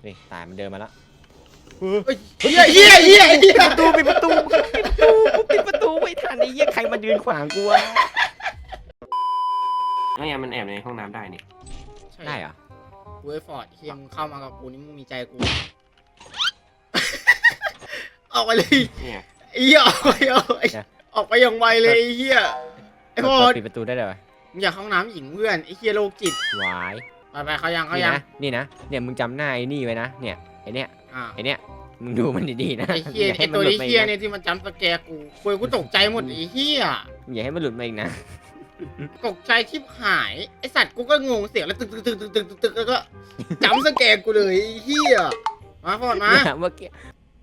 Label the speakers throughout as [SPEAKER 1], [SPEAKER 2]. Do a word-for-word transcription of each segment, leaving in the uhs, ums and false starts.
[SPEAKER 1] นี่ตายมันเดินมาแล้ว
[SPEAKER 2] เฮียเฮียเฮียเฮีย
[SPEAKER 1] ประตูปิดประตูปิดประตูปิดประตูไม่ทันไอ้เหี้ยใครมายืนขวางกูวะ
[SPEAKER 3] ไม่งั้นมันแอบในห้องน้ำได้นี่
[SPEAKER 1] ได้เหรอ
[SPEAKER 2] เว้ยฟอร์ดเฮียมึงเข้ามากับกูนี่มึงมีใจกูออกไปเลย
[SPEAKER 3] เนี่ย
[SPEAKER 2] ไอ้เฮียออกไปออกไปออกไปอย่างไวเลยไอ้เฮียไอ้ฟอร์ด
[SPEAKER 1] ปิดประตูได้เลย
[SPEAKER 2] มึงอยากเข้าห้องน้ำหญิงเพื่อนไอ้เฮียโรคจิต
[SPEAKER 1] วาย
[SPEAKER 2] ไปไปเขายังเขา
[SPEAKER 1] นี่
[SPEAKER 2] ยัง
[SPEAKER 1] นะนี่นะเนี่ยมึงจำหน้าไอ้นี่ไว้นะเนี่ยไอ้เนี่ย
[SPEAKER 2] อ่า
[SPEAKER 1] ไอ้เนี่ยมึงดูมันดีๆนะ
[SPEAKER 2] ไอ้เฮีย
[SPEAKER 1] อย่า
[SPEAKER 2] ไอ้
[SPEAKER 1] ให้มั
[SPEAKER 2] ตั
[SPEAKER 1] น
[SPEAKER 2] ว
[SPEAKER 1] หลุด
[SPEAKER 2] นี้
[SPEAKER 1] มา
[SPEAKER 2] เฮี
[SPEAKER 1] อี
[SPEAKER 2] ย
[SPEAKER 1] ก
[SPEAKER 2] เนี่
[SPEAKER 1] นะ
[SPEAKER 2] ยที่มันจำสแกร์กูคุยกูตกใจหมดไอ้เฮีย
[SPEAKER 1] อย่าให้มันหลุดมาอีกนะ
[SPEAKER 2] ตกใจชิบหายไอสัตว์กูก็งงเสียงแล้วตึกตึกตึกตึกตึกตึกตึกแล้วก็จำสแกร์กูเลยไอ้เฮียมาฟอร์ดมา
[SPEAKER 1] เนี่ยเมื่อกี้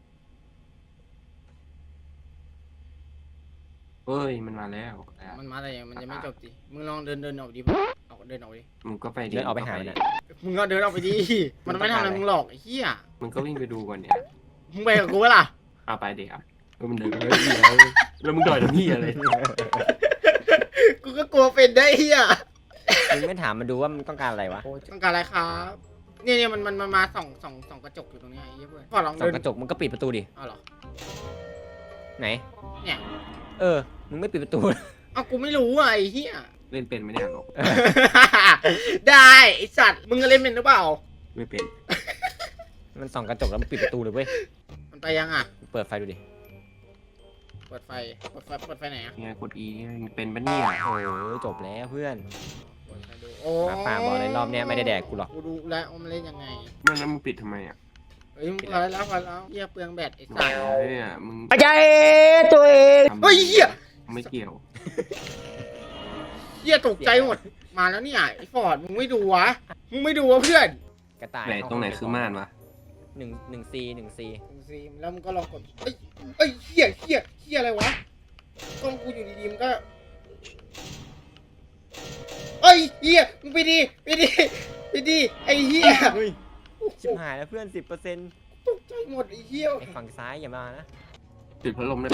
[SPEAKER 3] เฮ้ยมันมาแล้ว
[SPEAKER 2] มันมาอะไรอย่างมันยังไม่จบดิมึงลองเดินเดินออกดิออกเดินออกดิ
[SPEAKER 3] มึงก็ไป
[SPEAKER 1] เดินออกไปหามันนะ
[SPEAKER 2] มึงก็เดินออกไปดิมันไม่ทำอะไรมึงหรอกไอ้เฮีย
[SPEAKER 3] มึงก็วิ่งไปดูก่อนเนี่ย
[SPEAKER 2] มึงไปกับกูเปล่า
[SPEAKER 3] เอาไปเดี๋ยวแล้วมันเดินแล้วแล้วมึงต่อยทำพี่อะไร
[SPEAKER 2] กูก็กลัวเป็นได้เฮีย
[SPEAKER 1] มึงไม่ถามมันดูว่ามันต้องการอะไรวะ
[SPEAKER 2] ต้องการอะไรครับเนี่ยเนี่ยมันมันมันมาส่องส่องส่องกระจกอยู่ตรงนี้ไอ้เหี้ยเพื่อนพอลอง
[SPEAKER 1] ส่อ
[SPEAKER 2] เดิ
[SPEAKER 1] ง
[SPEAKER 2] น
[SPEAKER 1] กระจกมึงก็ปิดประตูดิ
[SPEAKER 2] เอาเหรอ
[SPEAKER 1] ไหน
[SPEAKER 2] เนี่ย
[SPEAKER 1] เออมึงไม่ปิดประตู
[SPEAKER 2] เอากูไม่รู้อ่ะไอ้เหี้ย
[SPEAKER 3] เล่นเป็นไหมเนี่ยหรอก
[SPEAKER 2] ได้ไอสัตว์มึงก็เล่นเป็นหรือเปล่า
[SPEAKER 3] ไม่เป็น
[SPEAKER 1] มันส่องกระจกแล้วมันปิดประตูเลยเว้ย
[SPEAKER 2] มันไปยังอ่ะ
[SPEAKER 1] เปิดไฟดูดิ
[SPEAKER 2] เปิดไฟเปิดไฟเปิดไฟไหนอ่ะ
[SPEAKER 3] เนี่ยกด E เป็นปะเนี่ย
[SPEAKER 1] โอ้ยจบแล้วเพื่อน
[SPEAKER 2] เปิดไฟดูโอ้
[SPEAKER 1] หมาป่าบอกเลยรอบเนี้ยไม่ได้แดกกูหรอก
[SPEAKER 2] กูดูแล้วว่ามันเล่นยังไง
[SPEAKER 3] มันแล้วมึงปิดทำไมอ่ะ
[SPEAKER 2] เฮ้ยมึงพอแล้วพอแล้วเหี้ยเปลืองแบตไอสัตว์
[SPEAKER 3] เฮ้ยอ่ะมึง
[SPEAKER 1] ใจตัวเอง
[SPEAKER 2] เฮ้ยเหี้ย
[SPEAKER 3] ไม่เกี่ยว
[SPEAKER 2] เหี้ยตกใจหมดมาแล้วเนี่ยไอฟอร์ดมึงไม่ดูวะมึงไม่ดูวะเพื่อน
[SPEAKER 1] กระต่าย
[SPEAKER 3] ไหนตรงไหนคือม่านวะ
[SPEAKER 1] หนึ่งหนึ่งซีหนึ่งซี
[SPEAKER 2] ซีมแล้วมึงก็ลองกดเอ้ยเอ้ยเหี้ยเหี้ยเหี้ยอะไรวะกล้องกูอยู่ดีๆมันก็เอ้ยเหี้ยมึงไปดีไปดีไปดีไอ้เหี้ย
[SPEAKER 1] เฮ้ยชิบหายแล้วเพื่อนสิบเปอร์เซ็นต์
[SPEAKER 2] ตกใจหมดไอ้เหี้ย
[SPEAKER 1] ไอ้ฝั่งซ้ายอย่ามานะ
[SPEAKER 3] ปิดพัดลมได้ไหม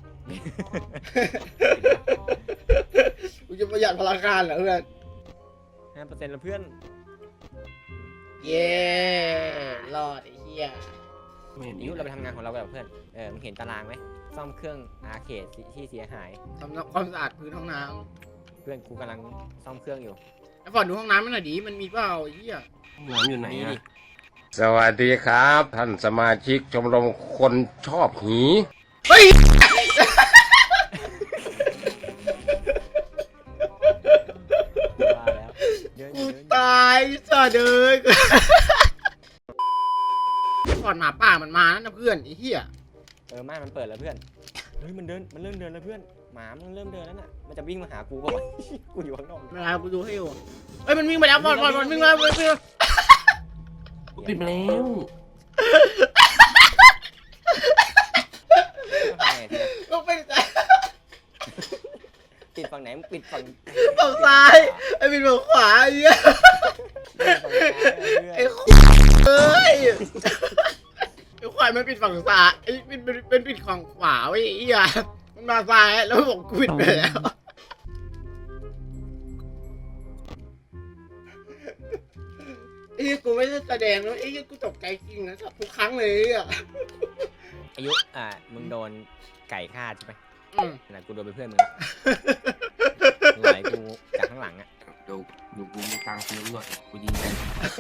[SPEAKER 2] กูจะประหยัดพลังงานเหรอเพื่อน
[SPEAKER 1] ห้าเปอร์เซ็นต์แล้วเพื่อน
[SPEAKER 2] เย้รอดไอ้เหี้ย
[SPEAKER 3] ไม่เห็น
[SPEAKER 1] อายุเราไปทำงานของเรากันเพื่อนเออมึงเห็นตารางไหมซ่อมเครื่องอาร์เคดที่เสียหาย
[SPEAKER 2] ทำความสะอาดพื้นห้องน้
[SPEAKER 1] เพื่อนกูกำลังซ่อมเครื่องอยู่
[SPEAKER 2] ำไอ้ฟอร์ดดูห้องน้ำให้หน่อยดิมันมีเปล่าไอ้เหี้ย
[SPEAKER 3] น้ำอยู่ไหน
[SPEAKER 1] นี่
[SPEAKER 3] อ่ะ
[SPEAKER 1] ดิ
[SPEAKER 4] สวัสดีครับ ท่านสมาชิกชมรมคนชอบหี
[SPEAKER 2] เฮ้ย
[SPEAKER 1] ว่าแล้วเดินอ
[SPEAKER 2] กู
[SPEAKER 1] ยู่เดินอยู่
[SPEAKER 2] ตายสัตว์เอ้ยฟอร์ดหมาป่ามันมาแล้วนะเพื่อนไอ้เหี้ย
[SPEAKER 1] เออม่านมันเปิดแล้วเพื่อนเฮ้ยมันเดินมันเริ่มเดินแล้วเพื่อนหมามันเริ่มเดินแล้วน่ะมันจะวิ่งมาหากูป่าวะ กูอยู่ข้างนอก
[SPEAKER 2] ไม่เป็นไรกูดูให้อยู่เอ้ยมันวิ่งไปแล้วฟอร์ดฟอร์ดมันวิ่งแล้วมันวิ่งแล้ว
[SPEAKER 3] ปิดไปแล้ว
[SPEAKER 2] ลงไปไหน
[SPEAKER 1] ปิดฝั่งไหนมึงปิดฝั่ง
[SPEAKER 2] ฝั่งซ้ายไอ้บินฝั่งขวาไอ้เหี้ย
[SPEAKER 1] ฝั่งซ้ายเพื่อน
[SPEAKER 2] ไอ้เอ้ยไอ้ควายมันปิดฝั่งซ้ายไอ้เป็นเป็นเป็นปิดฝั่งขวาไว้ไอ้เหี้ยมันมาซ้ายแล้วบอกกูปิดไปแล้วไอ้เหี้ยกูไม่ได้แสดงแล้วไอ้เหี้ยกูตกใจจริงนะทุกครั้งเลยอ่ะ
[SPEAKER 1] อายุอ่ามึงโดนไก่ฆ่าใช่ไหม
[SPEAKER 2] อืม
[SPEAKER 1] น่ะกูโดนเป็นเพื่อนมึงละไหลกูจากข้างหลังอ่ะ
[SPEAKER 3] เดี๋ยวเดี๋ยวกูมีตังค์ซื้อหน่อยกูยิงกัน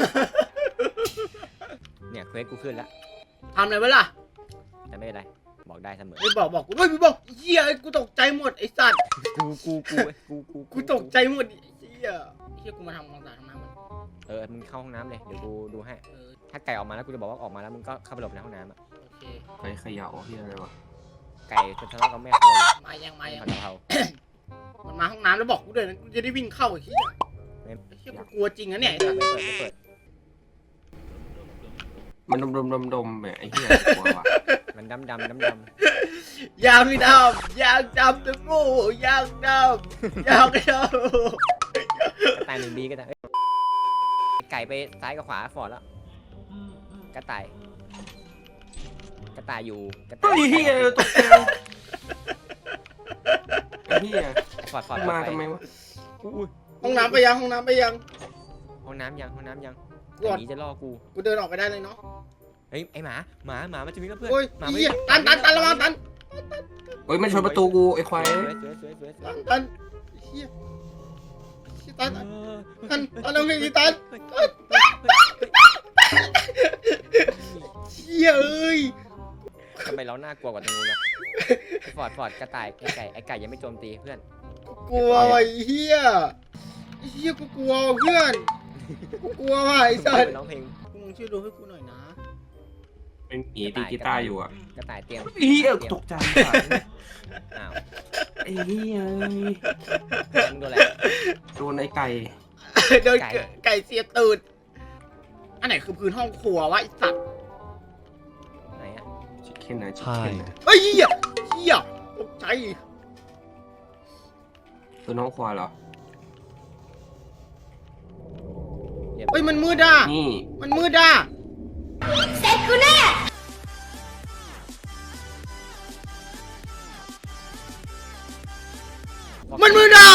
[SPEAKER 1] เนี่ยเควสกูขึ้นแล้ว
[SPEAKER 2] ทำอะไรวะล่ะ
[SPEAKER 1] แต่ไม่เป็นไรบอกได้เสมอ
[SPEAKER 2] ไม่บอกบอกกูไม่บอกเหี้ยไอ้กูตกใจหมดไอ้สัตว์
[SPEAKER 1] กูกูกูกูกู
[SPEAKER 2] กูตกใจหมดไอ้เหี้ยไอ้เหี้ยกูมาทำความสะอาดห้องน้ำมัน
[SPEAKER 1] เออมึงเข้าห้องน้ำเลยเดี๋ยวกูดูให้
[SPEAKER 2] เออ
[SPEAKER 1] ถ้าไก่ออกมาแล้วกูจะบอกว่าออกมาแล้วมึงก็เข้าไปหลบในห้องน้ำอ่ะ
[SPEAKER 2] โอเค
[SPEAKER 3] ใครเขย่าที่อะไรวะ
[SPEAKER 1] ไก่จะทะเลาะกับแม่ครัวอยู่
[SPEAKER 2] มายังมายัง
[SPEAKER 1] ผัดกะเพรา
[SPEAKER 2] มันมาห้องน้ำแล้วบอกกูด้วยนะกูจะได้วิ่งเข้าไอ้เหี้ย
[SPEAKER 1] ไม่
[SPEAKER 2] ไอ้เหี้ยกูกลัวจริงนะเนี่ย
[SPEAKER 1] ไม่เปิดไม่เปิดไม่เปิด
[SPEAKER 3] มันดมดมดมดมแบบไอ้เหี้ยกลัวว่ะ
[SPEAKER 1] มันดำดำดำด
[SPEAKER 2] ยางไม่ดำยางดำทั้งคู่ยางดำยางด
[SPEAKER 1] ำกระต่ายหนึ่งบีก็ได้เอ้ยไก่ไปซ้ายกับขวาฟอร์ดแล้วกระต่ายกระต่ายอยู่กระต่า
[SPEAKER 3] เฮ้
[SPEAKER 1] ย
[SPEAKER 3] ยเหี้ยตกใจไอ้เหี้ย
[SPEAKER 1] ฟอร์ดฟอร์ด
[SPEAKER 3] มา
[SPEAKER 1] ป
[SPEAKER 3] ทำไมวะ
[SPEAKER 1] อุ้ย
[SPEAKER 2] ำห้องน้ำไปยังห้องน้ำไปยัง
[SPEAKER 1] ห้องน้ำยังห้องน้ำยัง
[SPEAKER 2] รวจ
[SPEAKER 1] หมีจะล่อกู
[SPEAKER 2] กูเดินออกไปได้เลยเนาะ
[SPEAKER 1] เฮ้ยไอหมาหมาหมามันจะวิ่งแล้วเพื่อน
[SPEAKER 2] โอ้ย
[SPEAKER 1] หมา
[SPEAKER 2] เหี้ยตันตันตันระวังตัน
[SPEAKER 3] เฮ้ยมันชนประตูกูไอ้ควาย
[SPEAKER 1] สวยสวยสวยสวยสว
[SPEAKER 2] ตั
[SPEAKER 1] ย
[SPEAKER 2] นตันเฮียเฮียตัน
[SPEAKER 1] เออ
[SPEAKER 2] ตันตันเอาไงดีตันเฮียเอ้ย
[SPEAKER 1] ทำไมเราน่ากลัวกว่าตรงนู้นวะฟอร์ดฟอร์ดกระต่ายไอไก่ไอไก่ยังไม่โจมตีเพื่อน
[SPEAKER 2] กูกลัวไอ้เฮียไอ้เฮียกูกลัวเพื่อนกูกลัวว่ะไอ้สัส
[SPEAKER 1] ร้องเพลง
[SPEAKER 2] มึงช่วยดูให้กูหน่อยนะ
[SPEAKER 3] เป็นหมีตีกีตาร์อยู่อ่ะ
[SPEAKER 1] กระต่ายเตรียม
[SPEAKER 3] เฮีย
[SPEAKER 1] เตรียม
[SPEAKER 3] ตกใจ
[SPEAKER 1] อ้าว
[SPEAKER 3] ไอ้เฮีย
[SPEAKER 1] มึงโดนอะไร
[SPEAKER 3] โดนไอ้ไก่
[SPEAKER 2] โดน
[SPEAKER 1] ไก่
[SPEAKER 2] ไก่เสียตูดอันไหนคือพื้นห้องครัววะไอ้สัส
[SPEAKER 1] ไหนอะ
[SPEAKER 3] ชิคเก้นนะชิคเก้นนะ
[SPEAKER 2] เฮ้ยเฮียเฮียตกใจ
[SPEAKER 3] คือน้องควายเหรอ
[SPEAKER 1] เรียบ
[SPEAKER 2] เฮ้ยมันมืดอ่ะ
[SPEAKER 3] นี่
[SPEAKER 2] มันมืดอ่ะมันมืดอ่ะ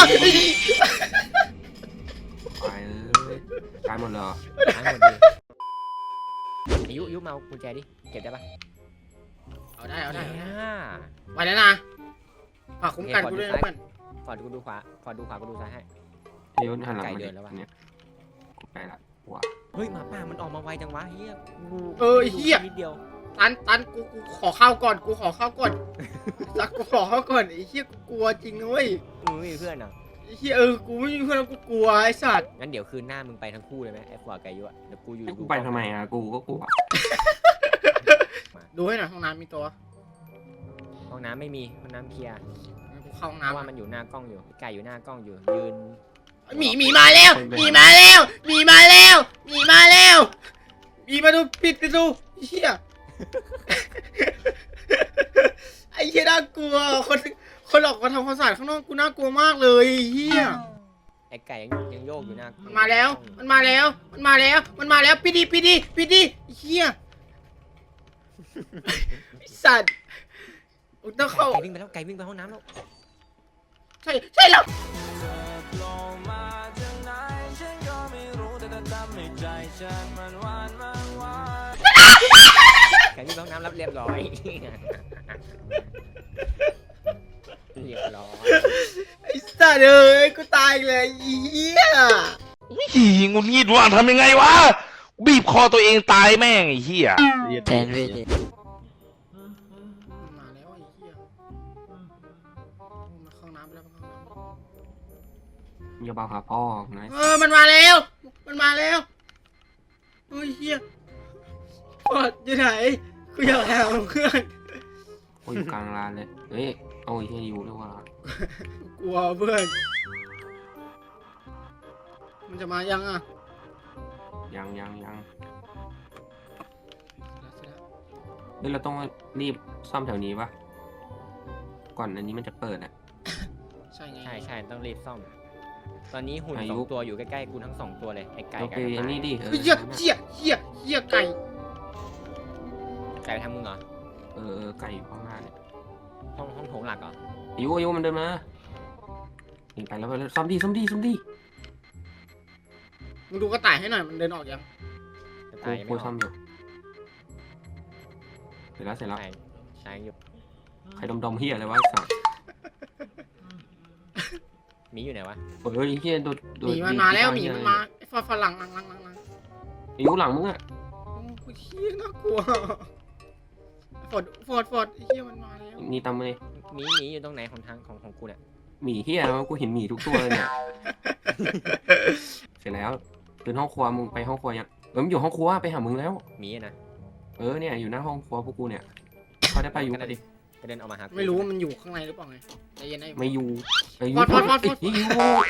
[SPEAKER 3] ควายเอ้ยตายหมดเลยเหรอ
[SPEAKER 1] หายหมดเลยอายุอายุมาเอากุญแจดิเก็บได้ปะ
[SPEAKER 2] เอาได้เอาได้เอาได้
[SPEAKER 1] เนี่ย
[SPEAKER 2] ไปแล้วนะฝากคุ้มกันกูด้วยนะเพื่อน
[SPEAKER 1] ฟอร์ดกูดูขวาฟอร์ดดูขวากูดูซ้ายให้
[SPEAKER 3] เดี๋ยวหันหลัง
[SPEAKER 1] ไก่
[SPEAKER 3] มา
[SPEAKER 1] เดิ
[SPEAKER 3] ดิ
[SPEAKER 1] นแล้ววะ
[SPEAKER 3] เนี่ยกูไปละว้า
[SPEAKER 1] เฮ้ยหมาป่ามันออกมาไวจังวะเฮียกู
[SPEAKER 2] เออเฮีย
[SPEAKER 1] นิดเดียว
[SPEAKER 2] ตันตันกูกูขอข้าวก่อนกูขอข้าวก่อนสักกูขอข้าวก่อนไอ้เฮียกูกลัวจริงนะเว้ย
[SPEAKER 1] มึงไม่มีเพื่อนเหรอ
[SPEAKER 2] ไอ้เฮียเออกูไม่มีเพื่อนแล้วกูกลัวไอ้สัตว์
[SPEAKER 1] งั้นเดี๋ยวคืนหน้ามึงไปทั้งคู่เลยไหมไอ้ฟอร์ดกับอายุอะเดี๋ยวกูอยู่
[SPEAKER 3] ให้กู
[SPEAKER 1] ดู
[SPEAKER 3] ไปทำไมอ่ะกูก็กลัว
[SPEAKER 2] ดูให้หน่อยห้องน้ำมีตัว
[SPEAKER 1] ห้องน้ำไม่มีห้องน้ำเคลียร์
[SPEAKER 2] งั้นกูเข้าห้อง
[SPEAKER 1] เพราะว่า
[SPEAKER 2] น้ำ
[SPEAKER 1] มันอยู่หน้ากล้องอยู่ไก่อยู่หน้ากล้องอยู่ยืน
[SPEAKER 2] หมีหมีมาแล้วหมีมาแล้วหมีมาแล้วหมีมาแล้วหมีมาดูปิดประตูไอ้เฮีย ไอ้เฮียน่ากลัวคนคนออกมาทำความสะอาดข้างนอกกูน่ากลัวมากเลยไอ้เฮีย
[SPEAKER 1] ไอ้ไก่ยังยังโยกอยู่หน้า
[SPEAKER 2] มั
[SPEAKER 1] มัน
[SPEAKER 2] มาแล้ว มันมาแล้ว มันมาแล้ว มันมาแล้วปิดดิปิดดิปิดดิไอ้เฮียไอ้สัตว์กูต้องเข้า
[SPEAKER 1] ไก่วิ่งไปแล้วไก่วิ่งไปห้องน้ำแล้ว
[SPEAKER 2] ใช่ใช่แล้ว
[SPEAKER 1] ไก่วิ่งไปห้องน้ำรับเรียบร้อยเรียบร้อย
[SPEAKER 2] ไอ้สัตว์เอ้ยกูตายเลยไอ้เฮีย
[SPEAKER 5] หีงุนงิดว่ะทำยังไงวะ บีบคอตัวเองตายแม่งไอ้เหี้ย
[SPEAKER 6] แทนพี่
[SPEAKER 2] มันมาแล้วไอ้เฮียมาเข้าน้ำแล้วมาเข้าน้ำ
[SPEAKER 3] อย่าบ้าหาพ่อนะ
[SPEAKER 2] เออ มันมาแล้ว มันมาแล้วโอ้ยเฮียปอดอยู่ไหน กูอยากหาเพื่อน
[SPEAKER 3] โอ้ยอยู่กลางลานเลยเฮ้ยเอาไอ้เฮียอยู่ด้วยว่ะ
[SPEAKER 2] กลัวเพื่อน มันจะมายังอ่ะ
[SPEAKER 3] ยังยังยังเฮ้ยเราต้องรีบซ่อมแถวนี้ปะก่อนอันนี้มันจะเปิดอ่ะ
[SPEAKER 2] ใช่ไง
[SPEAKER 1] ใช่ใช่ต้องรีบซ่อม ตอนนี้หุ่น
[SPEAKER 3] อา
[SPEAKER 1] ส
[SPEAKER 3] ยุ
[SPEAKER 1] องตัวอยู่ใกล้ๆกูทั้งสองตัวเลยไอ้ไก่
[SPEAKER 3] โอ
[SPEAKER 1] กับ
[SPEAKER 3] เค
[SPEAKER 1] กระ
[SPEAKER 3] อัน
[SPEAKER 1] ต่า
[SPEAKER 3] นี้
[SPEAKER 1] ย
[SPEAKER 3] ดิเออ
[SPEAKER 2] เฮียเฮียเฮียเฮียไก่
[SPEAKER 1] ไก่ไปทำมึงเหรอ
[SPEAKER 3] เออเออไก่อยู่ข้างหน้าเนี่ย
[SPEAKER 1] ห้องห้องโถงหลักเหรอ
[SPEAKER 3] อายุอายุมันเดินมาหนีไปแล้วไปแล้วซ่อมดีซ่อมดีซ่อมดี
[SPEAKER 2] มึงดูกระต่ายให้หน่อย มันเดินออกยัง
[SPEAKER 1] กระ
[SPEAKER 3] กู
[SPEAKER 1] ต่ายยัง
[SPEAKER 3] กู
[SPEAKER 1] ไม่อ
[SPEAKER 3] ซ่อ
[SPEAKER 1] อ
[SPEAKER 3] ม
[SPEAKER 1] ก
[SPEAKER 3] อยู่เสร็จแล้วเสร็จแล้ว
[SPEAKER 1] ใช่ใช่อยู่
[SPEAKER 3] ใครดมดมเฮียอะไรวะไอ้สัส
[SPEAKER 1] หมีอยู่ไหนวะ
[SPEAKER 3] เฮ้ยเฮียโดดโด
[SPEAKER 2] ห
[SPEAKER 3] ด
[SPEAKER 2] มีมันมาแล้วหมี
[SPEAKER 3] เหี้ย
[SPEAKER 2] มันมาไอ้ฟาฝรั่งหลังหลังหลังหลัง
[SPEAKER 3] อายุหลังมึงอ่ะ
[SPEAKER 2] โอ้กูเฮียน่ากลัวฟอร์ดฟอร์ดฟอร์ดไอ้เฮียมันมาแล้ว
[SPEAKER 3] มีตามมาเลย
[SPEAKER 1] หมีหมีอยู่ตรงไหนของทางของของกูเนี่ย
[SPEAKER 3] หมีเฮียแล้วกูเห็นหมีทุกตัวเลยเนี่ย เสร็จแล้วเป็นห้องครัวมึงไปห้องครัวยังเออมันอยู่ห้องครัวไปหามึงแล้ว
[SPEAKER 1] หมีอะนะ
[SPEAKER 3] เออเนี่ยอยู่หน้าห้องครัวพวกกูเนี่ยเขาได้ไปอยู่
[SPEAKER 1] ก็
[SPEAKER 3] กันดิ
[SPEAKER 1] ก็เดินออกมาหากู
[SPEAKER 2] ไม่รู้ว่ามันอยู่ข้างในหรือเปล่าไงใจเย็นไอ้
[SPEAKER 3] ไม่อยู่ไอ้ยู
[SPEAKER 2] ฟอดฟอดฟอดฟอด
[SPEAKER 3] ไอ้ยู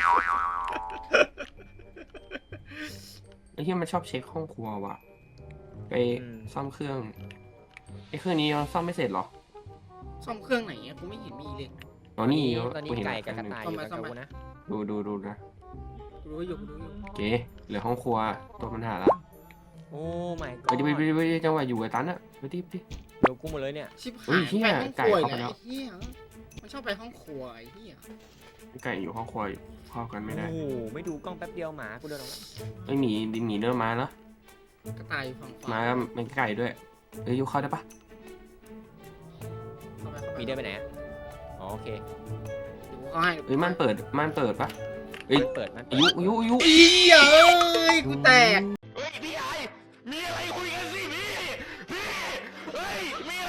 [SPEAKER 3] ไอ้เฮียมันชอบเช็คห้องครัวว่ะไปซ่อมเครื่องไอ้เครื่องนี้เราซ่อมไม่เสร็จเหรอ
[SPEAKER 2] ซ่อมเครื่องไหนอะกูไม่เห็นมีเลย
[SPEAKER 3] อ๋อนี่
[SPEAKER 1] ตอนนี้
[SPEAKER 3] กูเห็น
[SPEAKER 1] ไก่
[SPEAKER 3] แล้ว
[SPEAKER 1] กับกระต่ายอยู่กับ
[SPEAKER 2] ซ่อมไหม
[SPEAKER 1] กูนะ
[SPEAKER 3] ดูดูดูนะ
[SPEAKER 2] กูรู้อยู่กูรู้อยู่
[SPEAKER 3] โอเคเหลือห้องครัวตัวปัญหาละ
[SPEAKER 1] โอ้ไม่ก็
[SPEAKER 3] ไปดิไปดิไปดิจังหวะอยู่ไอ้ตันอะไปดิไปดิ
[SPEAKER 1] เดี๋ยวกูหมดเลยเนี่ย
[SPEAKER 2] ชิบ
[SPEAKER 3] เฮ้
[SPEAKER 2] หาย
[SPEAKER 3] ยเหี้ย
[SPEAKER 2] ไปห้องครัว
[SPEAKER 3] ไก่
[SPEAKER 2] อี
[SPEAKER 3] เข้าก ไป
[SPEAKER 2] แล้
[SPEAKER 3] แล้ว ว
[SPEAKER 2] ไอ้เฮียมันชอบไปห้องครัวไอ้เฮีย
[SPEAKER 3] ไก่อยู่ห้องครัวอยู่เข้ากันไม่ได้
[SPEAKER 1] โอ้โหไม่ดูกล้องแป๊บเดียวหมากูเดินออกมา
[SPEAKER 3] ไอ้หมีหมีเริ่มมาแล้ว
[SPEAKER 2] กระต่ายอยู่ฝั่งขวา
[SPEAKER 3] มาแล้วเป็นไก่ด้วยเอ้ยยุเข้าได้ปะ
[SPEAKER 2] เข้าไปเข้าไป
[SPEAKER 1] มีเดินไปไหนอะอ๋อโอเค
[SPEAKER 2] เดี๋ยวกูเข้าให้
[SPEAKER 3] เอ้ยม่านเปิดม่านเปิดปะเอ้ย
[SPEAKER 1] เปิดมันเปิ
[SPEAKER 3] อา
[SPEAKER 1] ด
[SPEAKER 3] ยุอายุอายุ
[SPEAKER 2] เหี้ยเอ้ยกูแตก
[SPEAKER 5] เฮ้ยพี่ไอมีอะไรคุยกันสิพี่พี่เฮ้ยมี